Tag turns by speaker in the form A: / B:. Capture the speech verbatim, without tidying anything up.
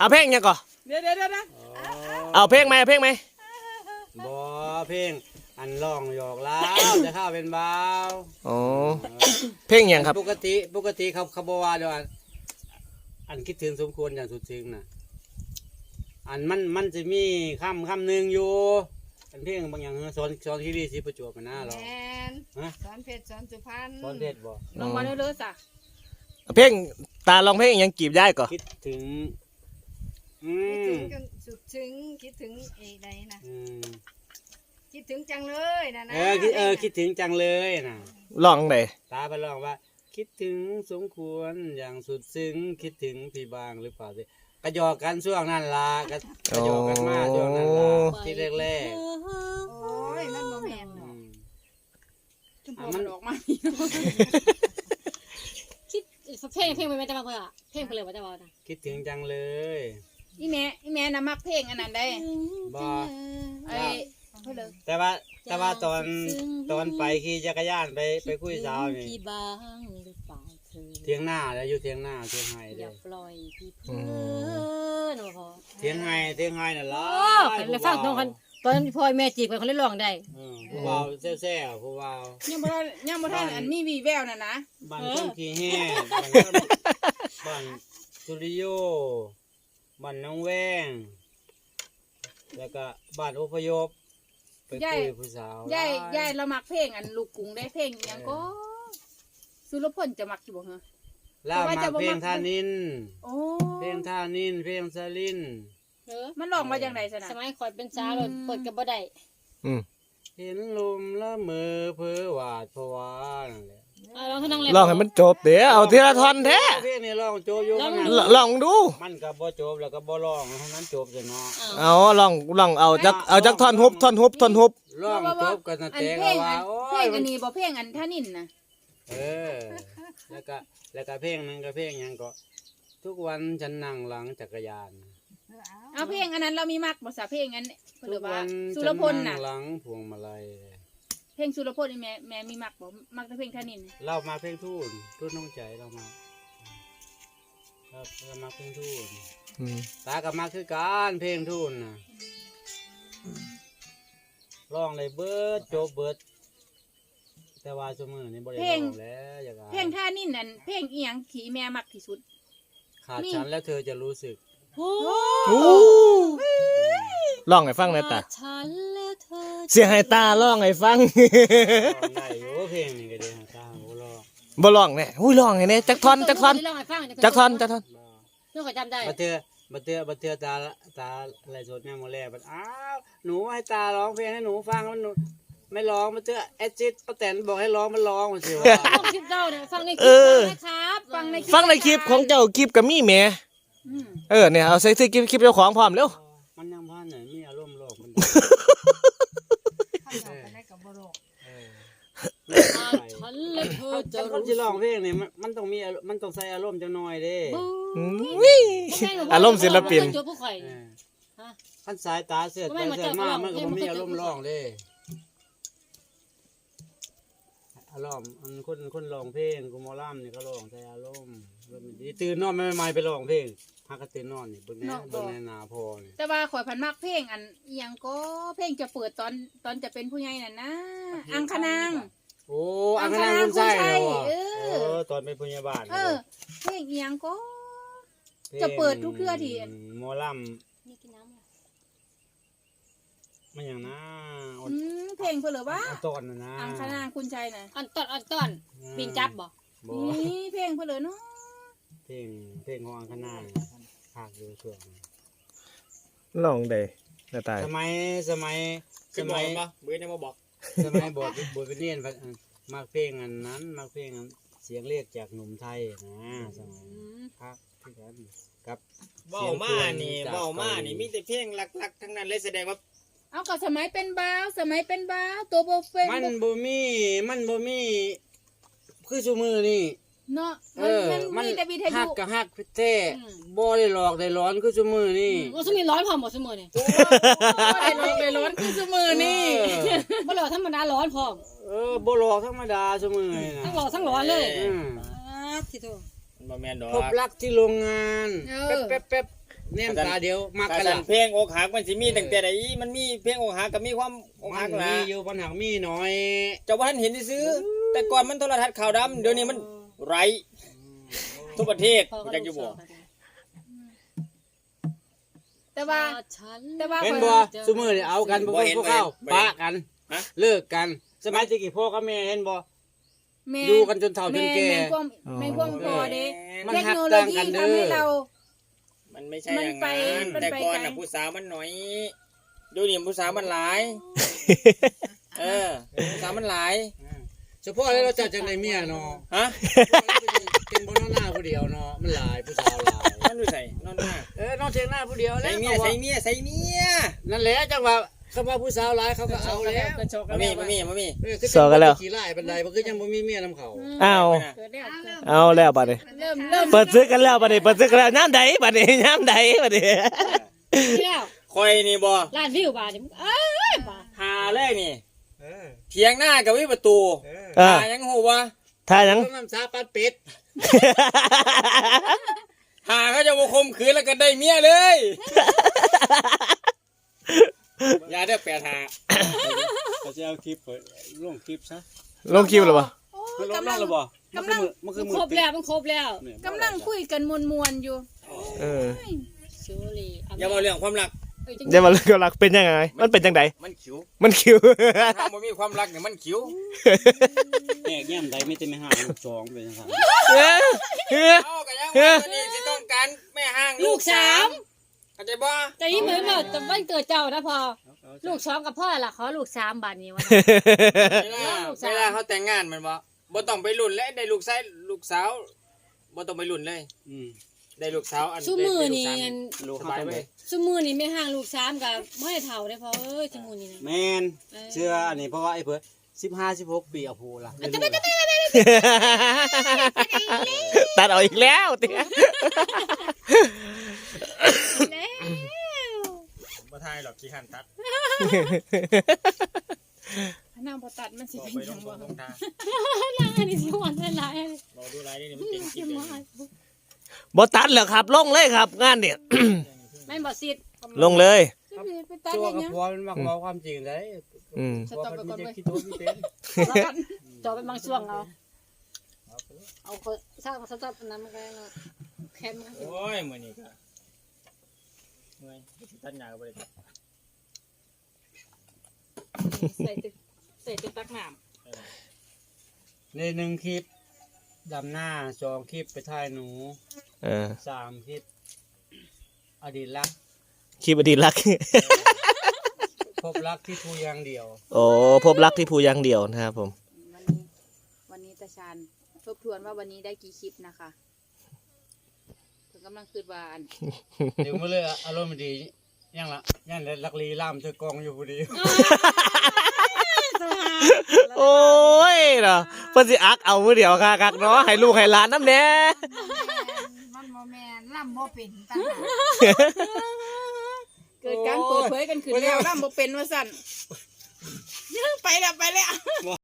A: เอาเพลงยังก่อน
B: เดี๋ยวเดี๋ยวนะ
A: เอาเพลงไหมเอาเพลงไหม
C: บ่เพลงอันร้องหยอกแล้วจะเข้าเป็นเบา
A: อ๋อเพลงยังครับ
C: ปกติปกติเขาเขาบอกว่าเดี๋ยวอันคิดถึงสมควรอย่างสุดซึ้งนะอันมันมันจะมีคำคำหนึ่งอยู่อันเพลงบางอย่างสอนสอนที่ดีสิประจวบมันน่าหรอ
B: สอนเพชรสอนสุพรรณ
C: สอนเพชรบ่
B: ลองมาเรื่อยๆสะ
A: เพลงตาลองเพลงยังจีบได้ก่อน
C: คิดถึง
B: คิดถึงจนสุดซึ้งคิดถึงไอ้ใดนะคิดถึงจังเลยนะนะ
C: เออคิดเออคิดถึงจังเลยนะ
A: ลองไหน
C: ตาไปลองว่าคิดถึงสมควรอย่างสุดซึ้งคิดถึงพี่บางหรือเปล่าสิกระยอกกันช่วงนั้นล่ะกระกระยอกกันมากช่วงนั้นล่ะที่แรกๆ
B: โอ้ยมันบ่แม่นเนาะจุ่มมันออกมา
D: คิดเพลงเพลงมันจะมาเพื่อเพลงเพลงมันจะมา
C: คิดถึงจังเลย
B: อีแม่อีแม่น่ะมักเพลงอันนั้นได้
C: บ่
B: ไอ้
C: แต่ว่าแต่ว่าตอนตอนไปขี่จักรยานไปไปคุยสาวนี่เทียงหน้าแล้วอยู่เทียงหน้าเทียงไห้เด้อ
D: ปล่อยพี่เพื่อนโอ้โห
C: เทียงไห้เทียงไห้น่ะล่ะ
D: แล้วฟังตรงกันตอนพ่อแม่จีบกันเขาเล่นร้องได้
C: ผู้บ่าวแซ่ๆผู้บ่าว
B: ยังบ่ยังบ่ทันอันมีวีแววน่ะนะ
C: บ้านคนขี้แห้งบ้านสุริโยบ้านน้องแว้งแล้วก็บ้านอพยพไปคุยผู้สาวย
B: ายยายเรามักเพลงอันลูกกรุงได้เพลงยังก็สุรพลจะมักอยู่บ่ฮะ
C: ล่ามาเพลงท่านินเพลงท่านินเพลงสลิน
B: มันร้องมาอย่างไรสนะ
D: สมัยคอยเป็นสาวเลยเปิดกับบ่ได้
C: เห็นลมละเมอเพ้อหวาดผวานั่นแหละ
D: ลองให้น้องเล่
A: นลองให้มันจบเดี๋ยวเอาทีละท่อนแท้
C: เพลงนี้ลองโจบอยู่
A: ลองดู
C: มันก็บ่จบแล้วก็บ่ร้องเท่านั้นจบเลยเนาะ
A: เอาลองลองเอาจักเอาจักท่อนฮุบท่อนฮุบท่อนฮุบ
C: ร้องจบกันแต่ว่าโอ้
B: ยเพลงอันนี้บ่เพลงอันท่านินนะ
C: เออแล้วก็แล้วก็เพลงนึงก็เพลงยังก็ทุกวันฉันนั่งหลังจักรยาน
B: เอาเพลงอันนั้นเรามีมักบ่ซะเพลงอันหรือว่าสุรพลน่ะ
C: หลังพวงมาลัย
B: เพลงสุรพลนี่แม่แม่มีมักบ่มักแต่เพลงท่านิน
C: เรามาเพลงทูนทูนน้องใจเรามาครับเรามาเพลงทูนตากับมาคือการเพลงทูนน่ะร้องเลยเบิดโจบเบิดแต่ว่าชั่วโมงนี้บ่ได้ร้องแล้วอย่างไร
B: เพลงท่านินนั่นเพลงอีหยังที่แม่มักที่สุด
C: ขาดฉันแล้วเธอจะรู้สึก
A: ร้องให้ฟังหน่อยตาเสียงให้ตาร้องให้ฟัง
C: ได้อยู่เพลงนี้ก็ได้ตาบ่ร้อง
A: บ่ร้องแน่อุ้ยร้องให้แน่จักท่อนจักท่อนจักท่อนจักท่อน
D: น้องก็จำได้
C: บัดเทื่อบัดเทื่อบัดเทื่อตาตาอะไรสดแม่มื้อแรกบัดอ้าวหนูให้ตาร้องเพลงให้หนูฟังมันหนูไม่ร้องมันเจอแอจิตป้าแตนบอกให้ร้องมันร้องมันสิว่า
D: ฟังคลิปเจ้าเนี่ยฟังในคลิปนะครับ
A: ฟังในฟังในคลิปของเจ้าคลิปกับมี่แม่เออเนี่ยเอาใส่ซื้อคลิปคลิปเจ้าของพร้อมเร็ว
C: มันยังพันไหนมีอารมณ์โลกมันฉันเลยเธอจะคนที่ร้องเพลงเนี่ยมันต้องมีมันต้องใส่อารมณ์จังหน่อยเด้
A: อารมณ์ศิลปิน
C: ท่านสายตาเสียดไปเสียดมากมันก็มีอารมณ์ร้องเด้อารมณ์คนคนร้องเพลงกูมอล่ามนี่ก็ร้องใส่อารมณ์ตื่นนอนไม่ไม่ไปร้องเพลงฮักก็ตื่นนอนนี่เบิ่งแน่เบิ่งแน่นาพอนี่
B: แต่ว่าข่อยพันมักเพลงอันอีหยังก็เพลงจะเปิดตอนตอนจะเป็นผู้ใหญ่น่ะนะอังคนาง
C: โอ้อังคนางคุณใช่เออตอนเป็นผู้ใหญ่บ้าน
B: เออเพลงอีหยังก็จะเปิดทุกเทื่อที่
C: หมอลำ
D: นี่กินน้ำ
C: มันอย่างน่า
B: เพลงเพื่อหรือว่า
C: ตอนน่ะนะ
B: อังคณางคุณชัยนะ
D: อันตอนอันตอนปีนจับบ่
B: นี่เพลงเพื่อหรือเนาะ
C: เพลงเพลงของอังคณางภาคอยู่ช่วง
A: ลองได้หน้าตา
C: สมัยสมัยสมัย
E: บ่เบื่อเนี่ยมาบอก
C: สมัยบทบทเป็นเรียนมาเพลงอันนั้นมาเพลงเสียงเรียกจากหนุ่มไทยนะสมัยพักที่กันกับ
E: เบ้ามานี่เบ้ามานี่มีแต่เพลงหลักๆทั้งนั้นเลยแสดงว่า
B: เอาก็สมัยเป็นบ้าวสมัยเป็นบ้าวตัวโบเฟน
C: มันบ่มีมันบ่มีคือชูมือนี่
B: เนาะมันมันมีแต่วิทยุ
C: ฮักกับฮักแท้บ่ได้หลอกได้ร้อนคือชูมือนี่
D: บ่ซุมีร้อนพร้อมบ่ซุมื้อนี่
B: บ่ได้หลอกได้ร้อนคือชูมือนี่
D: บ่หลอกธรรมดาร้อนพร้อม
C: เออบ่หลอกธรรมดาชูมือนี่นะ
D: ทั้งหลอกทั้งร้อนเลย
C: อือ
D: ที่โต
E: บ่แม่นดอก
C: พบรักที่โรงงานแป๊บๆแนมตาเดียวมัก
E: กา
C: กัน
E: ร
C: ละ
E: เพลงอกหักมันสิมีตั้งแต่ใดมันมีเพลงอกหักกับมีความอก
C: มั
E: หั
C: น
E: กล่ะ
C: มีอยู่ปัญหามีน้อย
E: เจ้าบ่ทันเห็นซื้อแต่ก่อนมันโทรทัศน์ขาวดำเดี๋ยวนี้มันไรทุกประเทศ
D: พ่อก็
E: จักอยู่
D: ลู
E: บ่
D: กสาว
B: แต่ว่า
D: ฉัน
B: แต่ว่า
C: เห็นบ่ซุมื้อนี่เอากันบ่เบิ่งพวกเขาปะกันเลิกกันสมัยตะกี้พ่อกับแม่เห็นบ่
B: แม่
C: อยู่กันจนเฒ่าจนแก่
B: แม่นความแม่นความพอเด้
C: มัน
B: เทค
C: หัก
B: โนโล
C: ต่าง
B: ยี
C: กันเด้
B: ทำให้
C: อ
B: เรา
E: มันไม่ใช่
B: มัน
E: อย่าง
B: ไป
E: นั้น
B: มัน
E: แต่
B: ไป
E: ก่อน
B: ไกล
E: น่ะผู้สาวมันน้อยเดี๋ยวนี้ผู้สาวมันหลาย เออผู้สาวมันหลาย
C: เฉพาะแล้วเราจัดจังได๋เมียเนาะ
E: ฮะ
C: เป็นบ่นอนหน้าผู้เดียวเนาะมันหลายผู้สาวหลาย
E: นอนดูใส่นอนหน้า
C: เออนอนเทียงหน้าผู้เดียวแล้
E: ใส่
C: ว
E: เมียใส่เมียใส่เมีย
C: นั่นแหละจังว่าคำว่าผู้สาวหลายเขาก็เอาแล้ว
D: กระโชกกั
E: มาน มีมามีมามี
C: เออคือ
A: สอกันแล้ว
C: ขี่ไล่บันไดบ่คือยังบ่มีเมียนํเขา
A: อ้าว
D: เกิดแล้ว
A: เอาแล้วบัดนี้
B: เริ่มเริ่ม
A: เปิดซื้อกันแล้วบัดนี้เปิดซื้อกันแล้วน้ำใดบัดนี้น้ำใดบัดนี้
D: แล้ว
E: คอยนี่บ่
D: ล้านวิวบาทนี่เอ้ยบาท
E: หาแรกนี่
C: เออ
E: เพียงหน้ากับวิประตู
C: เออ
A: อ่า
E: หายังหูวะ
A: ถ้าหยัง
C: ต้องน้ำสาปัดเป็ด
E: หาเขาจะมาคมขืนแล้วก็ได้เมียเลย อย่าได้แปดหา
C: เขาจะเอาคลิปลงคลิปซะ
A: ลงคิวหรือเปล่า
B: โอ้
C: มันล
B: กำ
C: ง
B: ลั
C: นั่
B: ง
C: นหรือบ่
B: กำลัง
C: มันคือ
D: มัน
C: มือ
D: ครบแล้วมันครบแล้ว
B: กำลังคุยกันมวนๆอยู่
A: เออ
D: ชูรี
E: อย่ามาเรื่องความรัก
D: เอ้ยจัง
A: เดี๋ยวมาเรื่องความรักเป็นยังไง มันเป็นจังได
E: มันขิว
A: มันคิว
E: ถ้ามันมีความรักเนี่ยมันขิว
C: แยกแย้มใดไม่เต็มไม่ห่างลูกสองเป็นจังซั่น
A: เฮ้ยเฮ้ย
E: เอากันยังว่าตัวนี้จะต้องการแม่ห้าง
D: ลูกสาม
E: เข้าใจบ่
D: แต่นี่เหมือนแบบแต่วันเกิดเจ้านะพอลูกสองกับพ่อล่ะขอลูกสามบาทนี้วะ
E: เวลาเวลาเขาแต่งงานมันบ่บ่ต้องไปรุ่นและได้ลูกชายลูกสาวบ่ต้องไปรุ่นเลย
C: อืม
E: ได้ลูกสาวอัน
D: ชูมือนี่
E: ได้ลูกสาวสบายไป
D: ชูมือนี่ไม่ห่างลูกสามกับไม่ให้เท่าได้พอเอ้ยชูมือนี่นะ
C: แม่นเชื่ออันนี้เพราะว่าไอ้เพิ่นสิบห้า สิบหกปีเอาโพล่ะ
A: ตัดออกอีกแล้วเตี้ย
B: แล้ว
E: บ่ทายหรอกขี้ขันตัด
B: พนังพอตัดมันสิ
E: บอก
B: เป็น
E: ไปล
B: ยัง ง
E: บ่
B: บ่
E: ลงทาง
D: อันนี้สิวันละลาย
E: บอกดูไรนี่มันเป็นคลิปเลย
A: บ่ตัดเหรอครับ ลงเลยครับ งานเนี่ย
D: ไม่บอกสิทธิ์
A: ลงเลย
B: ไปตัด
C: ตัว
B: ได้
C: กับ
B: ยัง
C: ผัวมันมักบอกความจริงได้
A: อืม
C: ผัวมันมีเด็กขี้ตัวมีเป็น
D: แล้วกันจอเป็นบางช่วงเอาเอาคนสร้างสต๊อปนั้นมันก็แคมมัน
E: โอ้ยมื้อนี้ก็เมื่อยตัดหญ้าก็บ่ได้
D: ใส่ติดใส่ติดตักน้
C: ในหนึ่งคลิปดำหน้าสองคลิปไปถ่ายหนู
A: เออ
C: สามคลิปอดีตรัก
A: คลิปอดีตรัก
C: พบรักที่ทูอย่างเดียว
A: โอ้พบรักที่ภูยังเดียวนะครับผม
B: วันนี้วันนี้ตาชานทบทวนว่าวันนี้ได้กี่คลิปนะคะเพิ่นกำลังคืดว่าอัน
C: เดี๋ยวมาเลยอารมณ์ดียังละยังลักลีล่ามเธอกองอยู่พอดี
A: โอ้ยเนาะเพิ่นสิอักเอามือเดียวค่ะคักเนาะให้ลูกให้หลานน้ำแหน่
B: มันโมแมนล่ำโมเป็นต่างหาก
C: เกิดการเปิดเผยกันขึ้นแล้ว
B: ล่ำโมเป็นว่าสั่นไปแล้วไปแล้ว